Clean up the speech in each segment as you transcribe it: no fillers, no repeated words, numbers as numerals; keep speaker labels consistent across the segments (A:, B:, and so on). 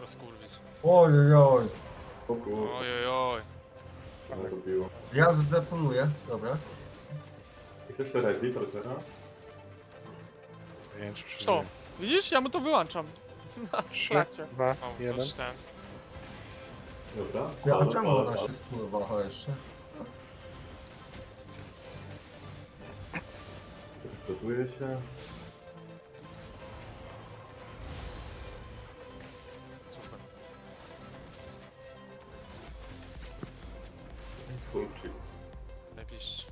A: rozkurwić.
B: Ojojoj.
C: O kurwa,
A: Ojojoj.
C: ale to biło.
B: Ja zdeponuję, dobra.
C: I chcesz ready, proszę?
D: Nie wiem, czy przeżyję.
E: Co? Widzisz? Ja mu to wyłączam. Na
D: 3,
E: trakcie.
D: 2,
A: O,
D: 1.
A: to ten.
C: Dobra.
B: Ja, a
C: Halo,
B: czemu
C: halo,
B: ona
C: halo.
B: się spływała jeszcze?
C: Resetuje się.
A: Super.
C: Kurczę.
A: Najbliższy.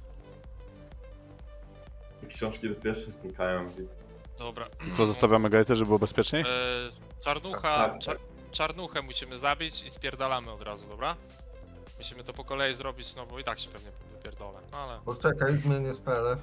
C: Książki do pierwsze znikają, więc...
A: Dobra.
F: Co, zostawiamy gajtę, żeby było bezpieczniej?
A: Czarnucha,
C: Tak, tak.
A: czarnuchę musimy zabić i spierdalamy od razu, dobra? Musimy to po kolei zrobić, no bo i tak się pewnie wypierdolę, no ale...
B: Poczekaj, zmienię spele.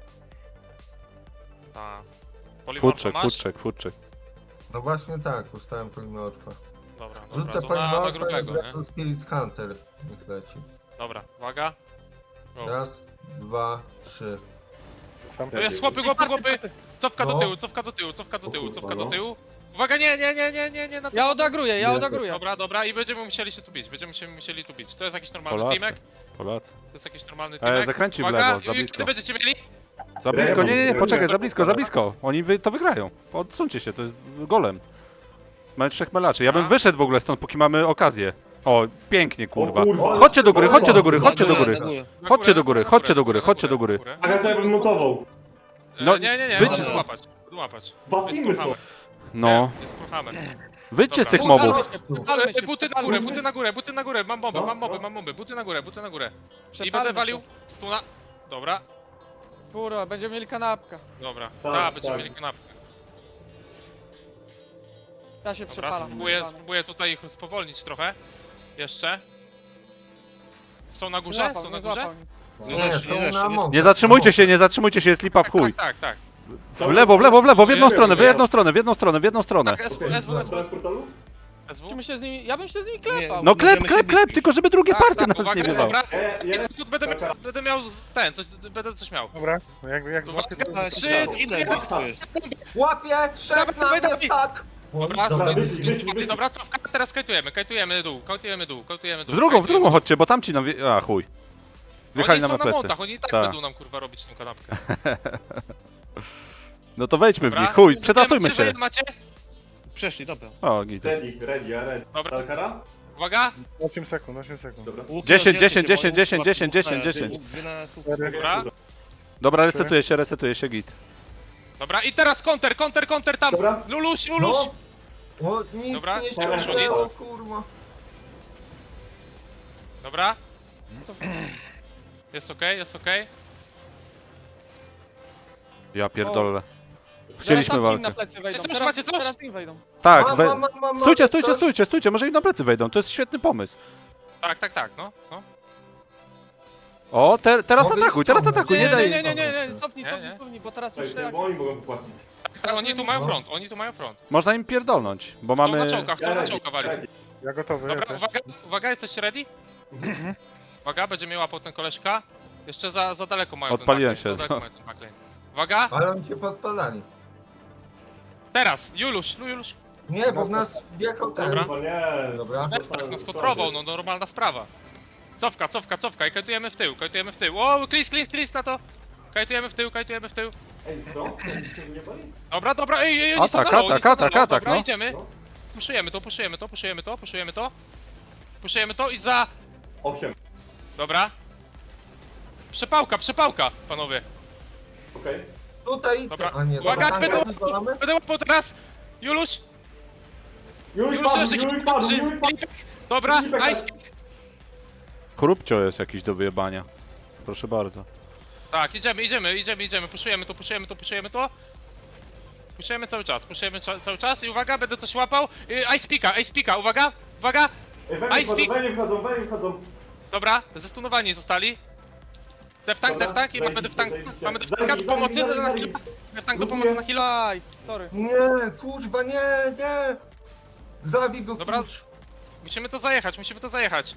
A: Ta. Polimorfa
F: Futrzek,
A: masz?
F: futrzek, futrzek.
B: No właśnie tak, ustałem polimorfa.
A: Dobra, dobra,
B: Rzucę
A: to na
B: polimorfa i
A: grubego, nie?
B: wracam Spirit Hunter. Niech leci.
A: Dobra, uwaga. Go.
B: Raz, dwa, trzy.
D: Sam
A: To jest chłopy, chłopy! Cofka do
B: No.
A: tyłu, cofka do tyłu, cofka do tyłu,
C: O kurwa,
A: cofka do
C: no.
A: tyłu. Uwaga, nie, na
E: Ja odagruję, ja odagruję.
A: Dobra, dobra, i będziemy musieli się tu bić, będziemy się musieli tu bić. To jest jakiś normalny
F: Polacy.
A: teamek?
F: Polacy.
A: To jest jakiś normalny teamek?
F: zakręci w
A: Uwaga,
F: lewo, za
A: i
F: blisko.
A: kiedy będziecie mieli?
F: Za blisko, nie,
C: Remo,
F: poczekaj,
C: Remo.
F: za blisko, za blisko. Oni to wygrają. Odsuńcie się, to jest golem. Mamy 3 melaczy. Ja bym
A: A?
F: wyszedł w ogóle stąd, póki mamy okazję. O, pięknie, kurwa.
C: O kurwa.
F: Chodźcie do góry, chodźcie do góry,
C: Na
F: chodźcie do
C: górę,
F: góry.
C: na górę.
A: Na
F: Chodźcie do góry,
A: na
F: chodźcie do góry,
A: na
F: chodźcie do góry.
C: Aga, co ja bym notował?
F: No,
A: Nie,
F: wyjdź-
A: możesz złapać, złapać.
C: Wapnijmy
A: Jest
C: to.
A: Hammer.
F: No,
A: Jest Hammer.
F: wyjdźcie z tych
A: Dobra.
F: mobów.
E: Przepalmy się,
A: Buty na
E: przepalmy
A: górę,
E: się.
A: buty na górę, mam bombę,
C: No,
A: mam bombę,
C: no.
A: mam bombę, buty na górę, buty na górę. I
E: Przepalmy
A: będę walił
E: się.
A: stuna. Dobra,
E: Kurwa, będziemy mieli kanapkę.
A: dobra.
C: Tak,
A: Tak, będziemy
C: tak.
A: mieli kanapkę.
E: Ja się
A: Dobra,
E: przepalam.
A: spróbuję tutaj ich spowolnić trochę. Jeszcze. Są na
E: Nie
A: górze?
E: złapał,
A: Są na
E: nie
A: górze?
E: złapał.
B: Nie, są na mąkę.
F: Nie zatrzymujcie się, jest lipa w chuj.
A: Tak.
F: W lewo, w lewo, w lewo, w jedną stronę, w jedną stronę, w jedną stronę, w jedną stronę.
A: Tak,
C: Okej,
A: SW.
C: bez portalu?
E: Musimy się z nimi, ja bym się z nimi klepał.
F: No klep, tylko żeby drugie partie nas nie
A: uwaga,
F: wiewał.
A: dobra.
C: Jest.
A: Sekund będę miał będę coś miał.
D: Dobra, no jak złapię to...
A: Uwaga, 3,
G: Ile to jest?
B: Łapie! Trzech
A: Dawaj,
B: na mnie,
A: dawaj.
B: tak!
A: Dobra,
C: Dobra, wyszli.
A: dobra, cofka, teraz kajtujemy dół.
F: W drugą chodźcie, bo tamci nam a chuj. Wjechali
A: Oni
F: nam
A: są
F: na
A: na
F: plecy.
A: montach, oni i tak
F: Tak.
A: będą nam kurwa robić tą kanapkę.
F: No to wejdźmy w
A: Dobra.
F: nich, chuj, przetasujmy
A: Wiecie, że
F: się.
A: ile macie?
G: Przeszli, dobra.
F: O, git.
C: Ready, ja ready.
A: Dobra.
C: Talkara?
A: Uwaga,
D: 8 sekund, 8 sekund.
C: Dobra.
F: 10, 10, 10, 10, 10, 10, 10.
A: dobra.
F: Dobra, resetuje się, git.
A: Dobra, i teraz counter tam!
C: Dobra.
A: Luluś!
B: No! O, nic
A: Dobra,
B: nie
A: dobra,
B: ściągnęło,
A: nic.
B: kurwa.
A: Dobra. Jest okej.
F: Ja pierdolę. Chcieliśmy
E: Teraz tam ci
F: walkę.
E: na plecy wejdą.
A: Czy coś macie, coś?
E: Teraz im wejdą.
F: Tak,
B: Mam
F: stójcie, może im na plecy wejdą, to jest świetny pomysł.
A: Tak, no.
F: O, teraz
B: Mogę
F: atakuj, nie daj.
E: Nie, cofnij,
A: Nie.
E: bo teraz już
C: Słuchaj,
E: tak...
C: bo oni mogą wypłacić.
A: Tak, oni tu mają
B: No.
A: front.
F: Można im pierdolnąć, bo
A: Chcą
F: mamy...
A: na czołka walić.
D: Ja gotowy,
A: Dobra,
D: ja też.
A: uwaga, jesteście ready? Uwaga, będzie mnie łapał ten koleżka. Jeszcze za daleko mają
F: Odpaliłem
A: ten
F: się,
A: backlane, za daleko
F: no.
A: mają ten backlane. Uwaga,
B: Ale oni cię podpalali.
A: teraz, Juluś.
B: Nie, bo w nas wjechał ten.
A: Dobra.
C: Chyba nie.
B: Dobra.
A: Tak, no skontrował, no normalna sprawa. Cofka i kajtujemy w tył. O, klis na to. Kajtujemy w tył.
C: Ej, co? Nie boli?
A: Dobra, ej, oni są na
F: Atak,
A: low, oni są na low.
F: atak,
A: Dobra,
F: no.
A: idziemy.
C: No.
A: Puszujemy to i za...
C: 8.
A: Dobra. Przepałka, panowie.
C: Okej.
B: Tutaj.
A: Dobra.
B: A nie,
A: Uwaga,
B: dobra,
A: będą-
B: tanka wywalamy?
A: Będę łapał teraz. Juluś.
C: Już
A: Dobra,
C: Filipek,
A: ice pick.
F: Korupcio jest jakiś do wyjebania. Proszę bardzo.
A: Tak, idziemy. Puszujemy to. Puszujemy cały czas i uwaga, będę coś łapał. Ice picka, uwaga. Ice pick.
C: Wejnie wchodzą.
A: Dobra, zestunowani zostali. Deftank i mamy deftanka do pomocy na chwilę. Deftank do pomocy na chwilę.
E: Aj, sorry.
B: Nie, kurwa, nie. Zabij go,
A: Dobra.
B: kurz.
A: Musimy to zajechać.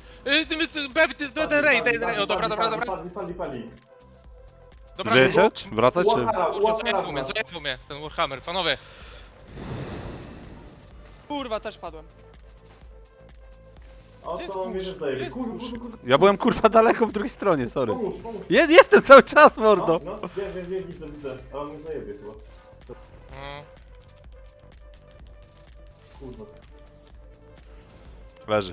A: Ray. O, dobra.
C: Pali.
A: Dobra,
F: Żyjecie? Czy wracać, czy...
A: kurwa, zajechał mnie ten Warhammer, panowie.
E: Kurwa, też padłem.
C: A
E: Gdzie jest
C: to mnie
E: kurz?
C: też
E: Gdzie
C: zajebie.
E: jest
C: Kurz,
E: kurz?
C: kurz, kurz.
F: Ja byłem kurwa daleko w drugiej stronie, sorry.
C: Pomóż.
F: Jestem cały czas, mordo!
C: No, wiem, widzę. Ale on mnie zajebie chyba.
A: No.
C: Kurwa.
F: Leży.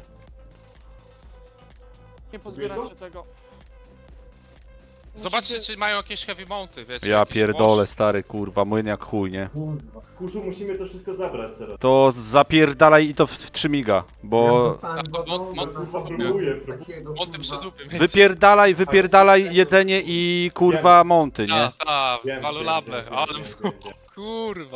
E: Nie pozbieracie tego.
A: Zobaczcie,
E: Musicie-
A: czy mają jakieś heavy mounty, wiecie?
F: Ja
A: jakieś
F: pierdolę,
A: łoże.
F: stary, kurwa, młyn jak chuj, nie?
C: Kurzu, musimy to wszystko zabrać teraz.
F: To zapierdalaj i to w 3 miga, bo...
C: Kurwa, próbuję.
A: Monty przy dupie.
F: Wypierdalaj jedzenie i kurwa monty, nie?
C: Wiem,
A: walulable,
C: wiem,
A: ale
C: wiem.
A: kurwa.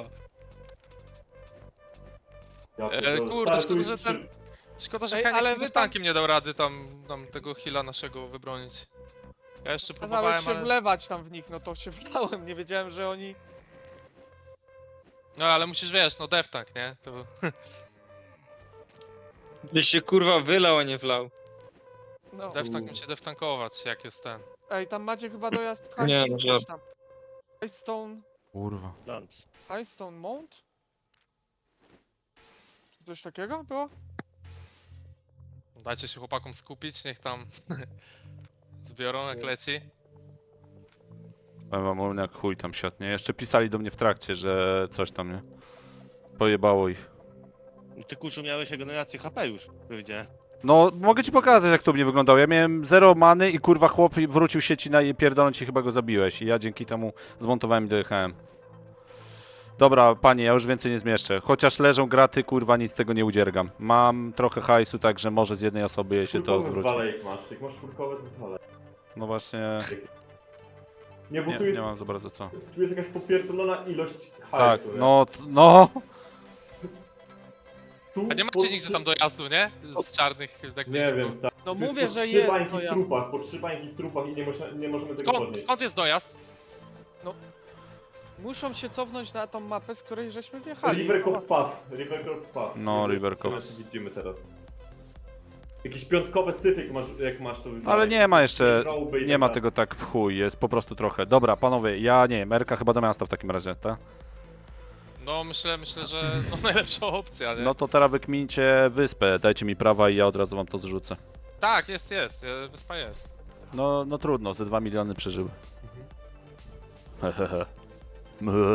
C: Ja pierdolę.
A: Kurde,
C: Stary, tu
A: szkoda, że
C: jest
A: ten... Szkoda, że
E: Ej,
A: Heniek
E: ale
A: ale
E: wy tam-
A: tankiem nie dał rady tam tego heala naszego wybronić. Ja jeszcze próbowałem,
E: Kazałeś się
A: ale...
E: wlewać tam w nich, no to się wlałem, nie wiedziałem, że oni...
A: No ale musisz, wiesz, no deftank, nie? To...
H: Byś się kurwa wylał, a nie wlał.
E: No.
A: Deftank musi deftankować, jak jest ten.
E: Ej, tam macie chyba dojazd
H: Nie,
E: High
H: no
E: coś tam.
F: Kurwa.
E: Highstone Mount? Czy coś takiego było?
A: Dajcie się chłopakom skupić, niech tam zbiorą jak leci.
F: Powiem wam, młyn jak chuj tam siadł, nie? Jeszcze pisali do mnie w trakcie, że coś tam, nie? Pojebało ich.
G: Ty kurzu miałeś regenerację HP już, powiedziałem.
F: No, mogę ci pokazać, jak to u mnie wyglądało. Ja miałem 0 many i kurwa chłop wrócił się ci na pierdoląc i chyba go zabiłeś. I ja dzięki temu zmontowałem i dojechałem. Dobra, panie, ja już więcej nie zmieszczę. Chociaż leżą graty, kurwa, nic z tego nie udziergam. Mam trochę hajsu, także może z jednej osoby jej się to
C: Czwórkowe
F: zwróci.
C: zwalaj jak masz czwórkowe, to zwalaj.
F: No właśnie,
C: Nie, bo
F: nie,
C: tu jest,
F: nie mam za bardzo co.
C: tu jest jakaś popierdolona ilość
F: Tak,
C: hajsu. nie?
F: no.
C: Tu
A: A nie
C: po
A: macie nigdzie
C: trzy-
A: tam dojazdu, nie? Z czarnych jakby
C: Nie
A: z-
C: wiem, stary.
E: No
C: Tu jest
E: mówię,
C: po
E: że
C: trzy
E: jest
C: bańki w
E: dojazd.
C: trupach, po 3 bańki w trupach i nie możemy tego
A: Skąd,
C: podnieść.
A: skąd jest dojazd?
E: Muszą się cofnąć na tą mapę, z której żeśmy wjechali.
C: River Cops Pass. River Cops Pass.
F: No,
C: Widzę,
F: River Cops.
C: co widzimy teraz. Jakiś piątkowy syf jak masz to wywalaj.
F: Ale nie ma jeszcze,
C: Roby i
F: nie
C: tak
F: ma
C: dalej.
F: tego tak w chuj, jest po prostu trochę. Dobra, panowie, ja nie wiem, Erka chyba do miasta w takim razie, tak?
A: No myślę, że no, najlepsza opcja, nie?
F: No to teraz wykmincie wyspę, dajcie mi prawa i ja od razu wam to zrzucę.
A: Tak, jest, wyspa jest.
F: No trudno, ze 2 miliony przeżyły. Hehehe.